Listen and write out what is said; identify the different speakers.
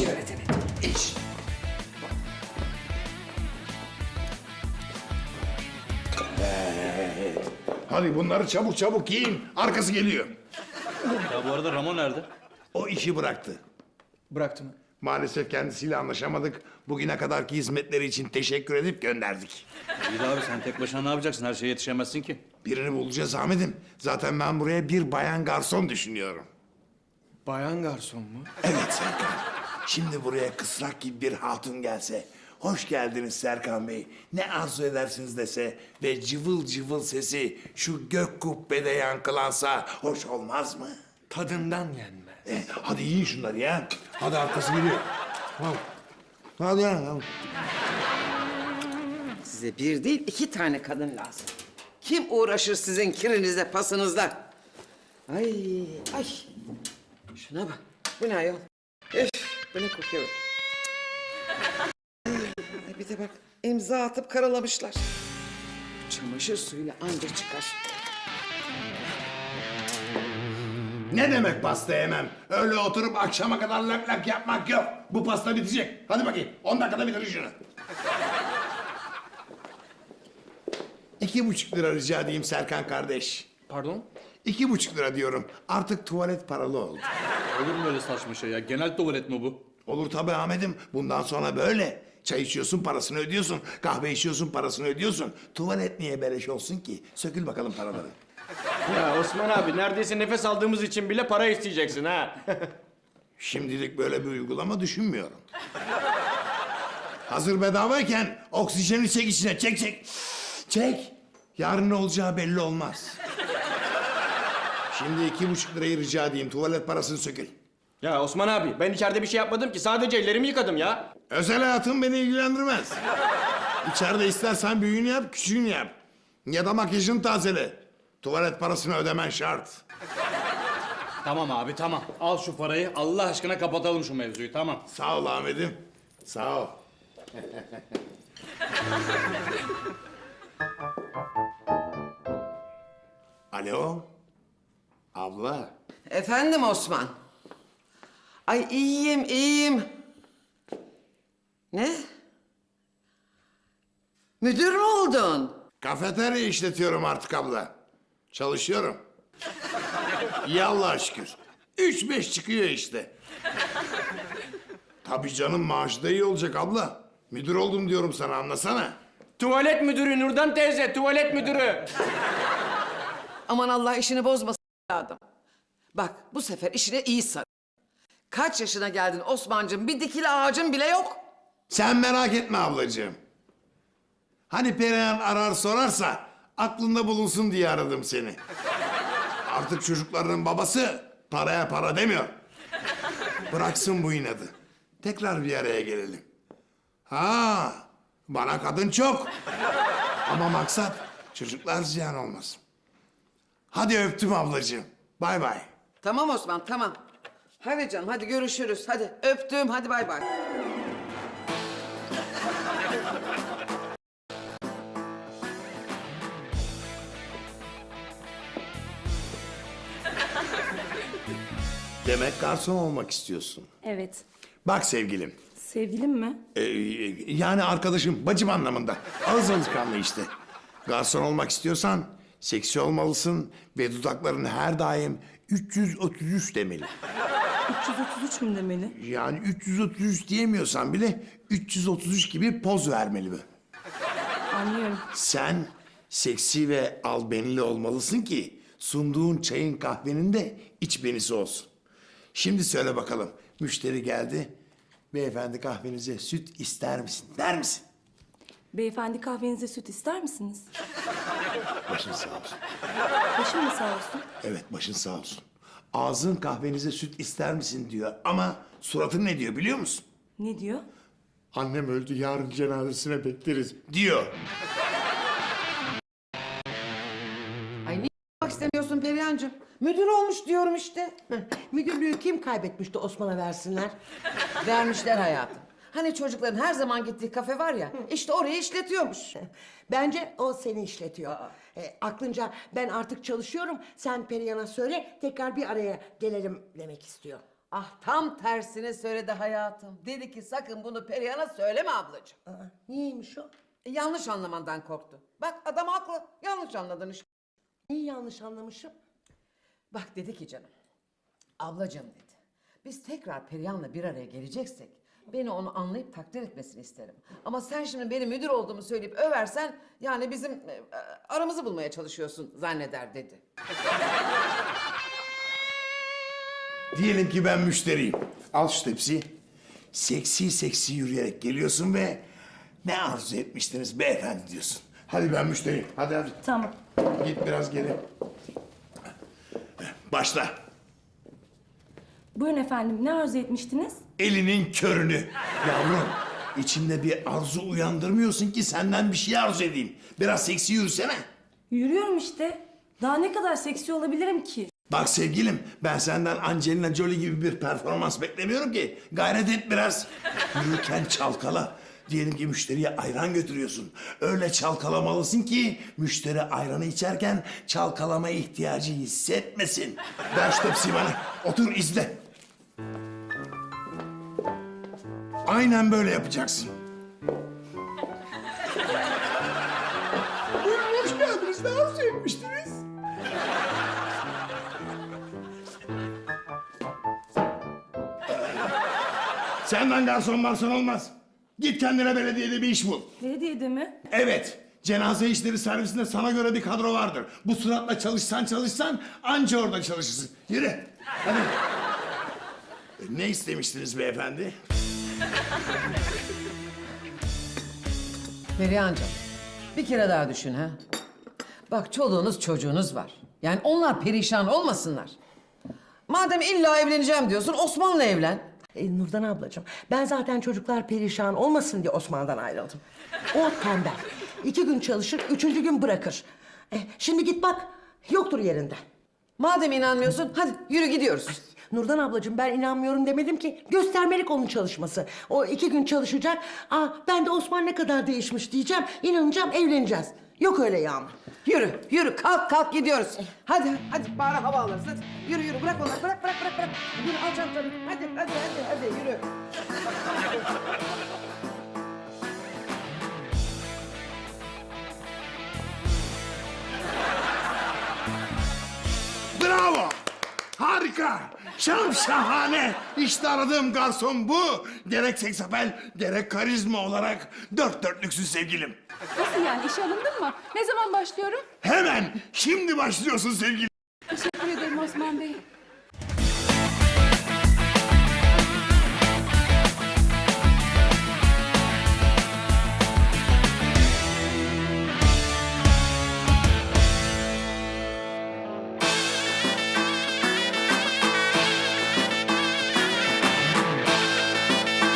Speaker 1: öğretelim. İç.
Speaker 2: Hadi bunları çabuk çabuk giyin. Arkası geliyor.
Speaker 3: Ya bu arada Ramon nerede?
Speaker 2: O işi bıraktı.
Speaker 1: Bıraktı mı?
Speaker 2: Maalesef kendisiyle anlaşamadık. Bugüne kadarki hizmetleri için teşekkür edip gönderdik.
Speaker 3: İyi de abi sen tek başına ne yapacaksın? Her şeye yetişemezsin ki.
Speaker 2: Birini bulacağız Ahmet'im. Zaten ben buraya bir bayan garson düşünüyorum.
Speaker 1: Bayan garson mu?
Speaker 2: Evet Serkan. Şimdi buraya kısrak gibi bir hatun gelse... Hoş geldiniz Serkan Bey. Ne arzu edersiniz dese ve cıvıl cıvıl sesi şu gök kubbede yankılansa hoş olmaz mı?
Speaker 1: Tadından yenmez.
Speaker 2: Hadi yiyin şunları ya. Hadi arkası geliyor. Tamam. Hadi ya. Tamam.
Speaker 4: Size bir değil 2 tane kadın lazım. Kim uğraşır sizin kirinizle pasınızla? Ay ay. Şuna bak. Bu ne ayol? Üf, bu ne kokuyor? Ay, bir de bak imza atıp karalamışlar. Çamaşır suyuyla anca çıkar.
Speaker 2: Ne demek pasta yemem? Öyle oturup akşama kadar lak lak yapmak yok. Bu pasta bitecek. Hadi bakayım. 10 dakikada bitirin şunu. 2,5 lira rica edeyim Serkan kardeş.
Speaker 1: Pardon?
Speaker 2: 2,5 lira diyorum. Artık tuvalet paralı oldu.
Speaker 3: Olur mu öyle saçma şey ya? Genel tuvalet mi bu?
Speaker 2: Olur tabii Ahmet'im. Bundan sonra böyle. Çay içiyorsun parasını ödüyorsun. Kahve içiyorsun parasını ödüyorsun. Tuvalet niye beleş olsun ki? Sökül bakalım paraları.
Speaker 5: Ya Osman abi neredeyse nefes aldığımız için bile para isteyeceksin ha.
Speaker 2: Şimdilik böyle bir uygulama düşünmüyorum. Hazır bedavayken oksijeni çek içine. Çek çek. Çek. Yarın ne olacağı belli olmaz. Şimdi 2,5 lirayı rica edeyim. Tuvalet parasını sökül.
Speaker 5: Ya Osman abi ben içeride bir şey yapmadım ki sadece ellerimi yıkadım ya.
Speaker 2: Özel hayatım beni ilgilendirmez. İçeride istersen büyüğünü yap, küçüğünü yap. Ya da makyajını tazele. Tuvalet parasını ödemen şart.
Speaker 3: Tamam abi tamam. Al şu parayı. Allah aşkına kapatalım şu mevzuyu tamam.
Speaker 2: Sağ ol Ahmet'im. Sağ ol. Alo. Abla.
Speaker 4: Efendim Osman. Ay iyiyim iyiyim. Ne? Müdür mü oldun?
Speaker 2: Kafeterya işletiyorum artık abla. Çalışıyorum. İyi Allah'a şükür. 3-5 çıkıyor işte. Tabii canım maaşı da iyi olacak abla. Müdür oldum diyorum sana anlasana.
Speaker 5: Tuvalet müdürü Nurdan teyze tuvalet müdürü.
Speaker 4: Aman Allah işini bozmasın adam. Bak bu sefer işine iyi sar. Kaç yaşına geldin Osman'cığım? Bir dikili ağacın bile yok.
Speaker 2: Sen merak etme ablacığım. Hani Perihan arar sorarsa aklında bulunsun diye aradım seni. Artık çocuklarının babası paraya para demiyor. Bıraksın bu inadı. Tekrar bir araya gelelim. Ha, bana kadın çok. Ama maksat çocuklar ziyan olmasın. Hadi öptüm ablacığım. Bay bay.
Speaker 4: Tamam Osman tamam. Hadi canım hadi görüşürüz. Hadi öptüm hadi bay bay.
Speaker 2: Demek garson olmak istiyorsun.
Speaker 6: Evet.
Speaker 2: Bak sevgilim.
Speaker 6: Sevgilim mi?
Speaker 2: Yani arkadaşım, bacım anlamında. Ağız alışkanlığı işte. Garson olmak istiyorsan seksi olmalısın ve dudakların her daim 333 demeli.
Speaker 6: 333 mü demeli?
Speaker 2: Yani 333 diyemiyorsan bile 333 gibi poz vermeli bu.
Speaker 6: Anlıyorum.
Speaker 2: Sen seksi ve albenili olmalısın ki sunduğun çayın kahvenin de iç benisi olsun. Şimdi söyle bakalım, müşteri geldi. Beyefendi kahvenize süt ister misin der misin?
Speaker 6: Beyefendi kahvenize süt ister misiniz?
Speaker 2: Başın sağ olsun.
Speaker 6: Başım mı sağ olsun?
Speaker 2: Evet, başın sağ olsun. Ağzın kahvenize süt ister misin diyor ama suratın ne diyor biliyor musun?
Speaker 6: Ne diyor?
Speaker 2: Annem öldü, yarın cenazesine bekleriz diyor.
Speaker 4: Ay niye yapmak istemiyorsun Perihan'cığım? Müdür olmuş diyorum işte.
Speaker 7: Müdürlüğü kim kaybetmişti Osman'a versinler?
Speaker 4: Vermişler hayatım. Hani çocukların her zaman gittiği kafe var ya, işte orayı işletiyormuş.
Speaker 7: Bence o seni işletiyor. Aklınca ben artık çalışıyorum, sen Perihan'a söyle tekrar bir araya gelelim demek istiyor.
Speaker 4: Ah tam tersini söyledi hayatım. Dedi ki sakın bunu Perihan'a söyleme ablacığım.
Speaker 7: Aa, niyeymiş o?
Speaker 4: Yanlış anlamandan korktu. Bak adam haklı. Yanlış anladın işte.
Speaker 7: Neyi yanlış anlamışım?
Speaker 4: Bak dedi ki canım. Ablacığım dedi. Biz tekrar Perihan'la bir araya geleceksek beni onu anlayıp takdir etmesini isterim. Ama sen şimdi benim müdür olduğumu söyleyip översen yani bizim aramızı bulmaya çalışıyorsun zanneder dedi.
Speaker 2: Diyelim ki ben müşteriyim. Al şu tepsiyi. Seksi seksi yürüyerek geliyorsun ve ne arzu etmiştiniz beyefendi diyorsun. Hadi ben müşteriyim. Hadi hadi.
Speaker 6: Tamam.
Speaker 2: Git biraz geri. Başla.
Speaker 6: Buyurun efendim, ne arzu etmiştiniz?
Speaker 2: Elinin körünü. Yavrum, içimde bir arzu uyandırmıyorsun ki senden bir şey arzu edeyim. Biraz seksi yürüsene.
Speaker 6: Yürüyorum işte. Daha ne kadar seksi olabilirim ki?
Speaker 2: Bak sevgilim, ben senden Angelina Jolie gibi bir performans beklemiyorum ki. Gayret et biraz. Yürürken çalkala. Diyelim ki müşteriye ayran götürüyorsun. Öyle çalkalamalısın ki müşteri ayranı içerken çalkalama ihtiyacı hissetmesin. Ver şu tepsiyi bana. Otur izle. Aynen böyle yapacaksın. Buyurun hoş geldiniz. Ne arzu etmiştiniz? Senden garson olmaz. Git kendine belediyede bir iş bul.
Speaker 6: Belediyede mi?
Speaker 2: Evet, cenaze işleri servisinde sana göre bir kadro vardır. Bu suratla çalışsan anca orada çalışırsın. Yürü, hadi. Ne istemiştiniz beyefendi?
Speaker 4: Perihan'cığım bir kere daha düşün ha. Bak çoluğunuz çocuğunuz var. Yani onlar perişan olmasınlar. Madem illa evleneceğim diyorsun Osman'la evlen.
Speaker 7: Nurdan ablacığım, ben zaten çocuklar perişan olmasın diye Osman'dan ayrıldım. O tembel. 2 gün çalışır, 3. gün bırakır. Şimdi git bak, yoktur yerinde.
Speaker 4: Madem inanmıyorsun hadi yürü gidiyoruz.
Speaker 7: Nurdan ablacığım ben inanmıyorum demedim ki. Göstermelik onun çalışması. O 2 gün çalışacak. Ben de Osman ne kadar değişmiş diyeceğim. İnanacağım, evleneceğiz. Yok öyle Yağmur.
Speaker 4: Yürü kalk gidiyoruz. Hadi bari hava alırız hadi. Yürü bırak onları bırak. Yürü al çantanı hadi yürü.
Speaker 2: Bravo! Harika! Şahane! İşte aradığım garson bu. Gerek seksapel, gerek karizma olarak 4 dörtlüksün sevgilim.
Speaker 8: Nasıl yani? İşe alındın mı? Ne zaman başlıyorum?
Speaker 2: Hemen, şimdi başlıyorsun sevgilim.
Speaker 8: Teşekkür ederim Osman Bey.